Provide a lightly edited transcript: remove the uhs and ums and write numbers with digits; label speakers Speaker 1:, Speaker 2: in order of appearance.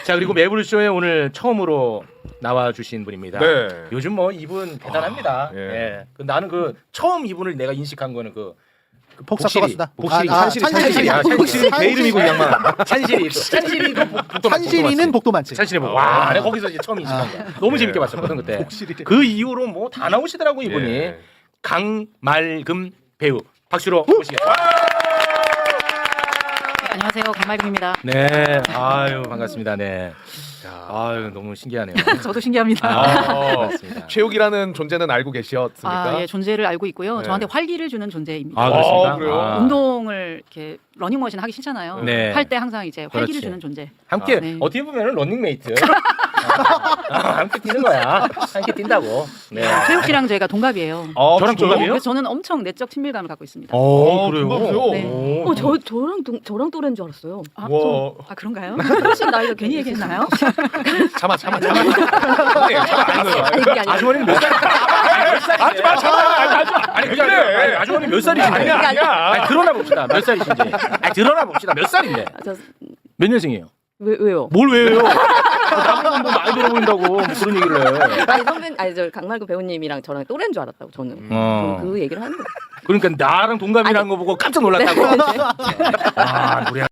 Speaker 1: 자 그리고 매불쇼에 오늘 처음으로 나와주신 분입니다.
Speaker 2: 네.
Speaker 1: 요즘 뭐 이분 대단합니다.
Speaker 2: 예.
Speaker 1: 예. 나는 그 처음 이분을 내가 인식한 거는 그
Speaker 3: 복사 써봤습니다.
Speaker 1: 복실이
Speaker 3: 찬실이.
Speaker 1: 복실이 내 이름이고 이 양반. 찬실이도 복도
Speaker 3: 찬실이는 복도 많지.
Speaker 1: 찬실이 뭐 와, 내가 거기서 이제 처음 인식한 거야. 너무 재밌게 봤었거든 그때.
Speaker 3: 복실이래.
Speaker 1: 그 이후로 뭐 다 나오시더라고 이분이.
Speaker 2: 예.
Speaker 1: 강말금 배우 박수로 모시겠습니다.
Speaker 4: 안녕하세요, 강말금입니다.
Speaker 1: 네, 아유 반갑습니다. 네, 아유 너무 신기하네요.
Speaker 4: 저도 신기합니다.
Speaker 1: 반갑습니다.
Speaker 2: 최욱이라는 존재는 알고 계셨습니까?
Speaker 4: 아, 예, 존재를 알고 있고요.
Speaker 2: 네.
Speaker 4: 저한테 활기를 주는 존재입니다.
Speaker 1: 아 그렇습니까?
Speaker 2: 아, 그래요?
Speaker 4: 운동을 이렇게 러닝머신 하기 싫잖아요.
Speaker 1: 네.
Speaker 4: 할 때 항상 이제 활기를
Speaker 1: 그렇지.
Speaker 4: 주는 존재.
Speaker 1: 함께
Speaker 4: 네.
Speaker 1: 어떻게 보면은 런닝메이트. 함께 뛰는 거야. 함께 뛴다고. 네.
Speaker 4: 최욱 씨랑 저희가 동갑이에요.
Speaker 2: 아,
Speaker 1: 저랑
Speaker 2: 진짜요?
Speaker 1: 동갑이에요?
Speaker 4: 그래서 저는 엄청 내적 친밀감을 갖고 있습니다.
Speaker 1: 어,
Speaker 2: 동갑이세요?
Speaker 4: 네.
Speaker 1: 오.
Speaker 5: 저랑 또래인 줄 알았어요.
Speaker 4: 아,
Speaker 2: 와.
Speaker 4: 아 그런가요? 훨씬 나이가 괜히 얘기했나요?
Speaker 2: 참아. 네, 참아 안 돼요.
Speaker 5: 아니 그게 아니라
Speaker 1: 아주머니는 몇 살?
Speaker 2: 하지 마.
Speaker 1: 아니 그게 아니라 아니, 아주머니 몇 살이신데?
Speaker 2: 아니야.
Speaker 1: 아니 드러나 봅시다. 몇 살이신지. 아니 드러나 봅시다. 몇 살인데? 몇 년생이에요?
Speaker 5: 왜요?
Speaker 1: 뭘 왜요? 나보고 뭐 많이 들어 보인다고 뭐 그런 얘기를 해.
Speaker 5: 아니 저 강말구 배우님이랑 저랑 또래인 줄 알았다고 저는.
Speaker 1: 어.
Speaker 5: 저는 그 얘기를 하는 거예요.
Speaker 1: 그러니까 나랑 동갑이라는 거 보고 깜짝 놀랐다고. 아, 노래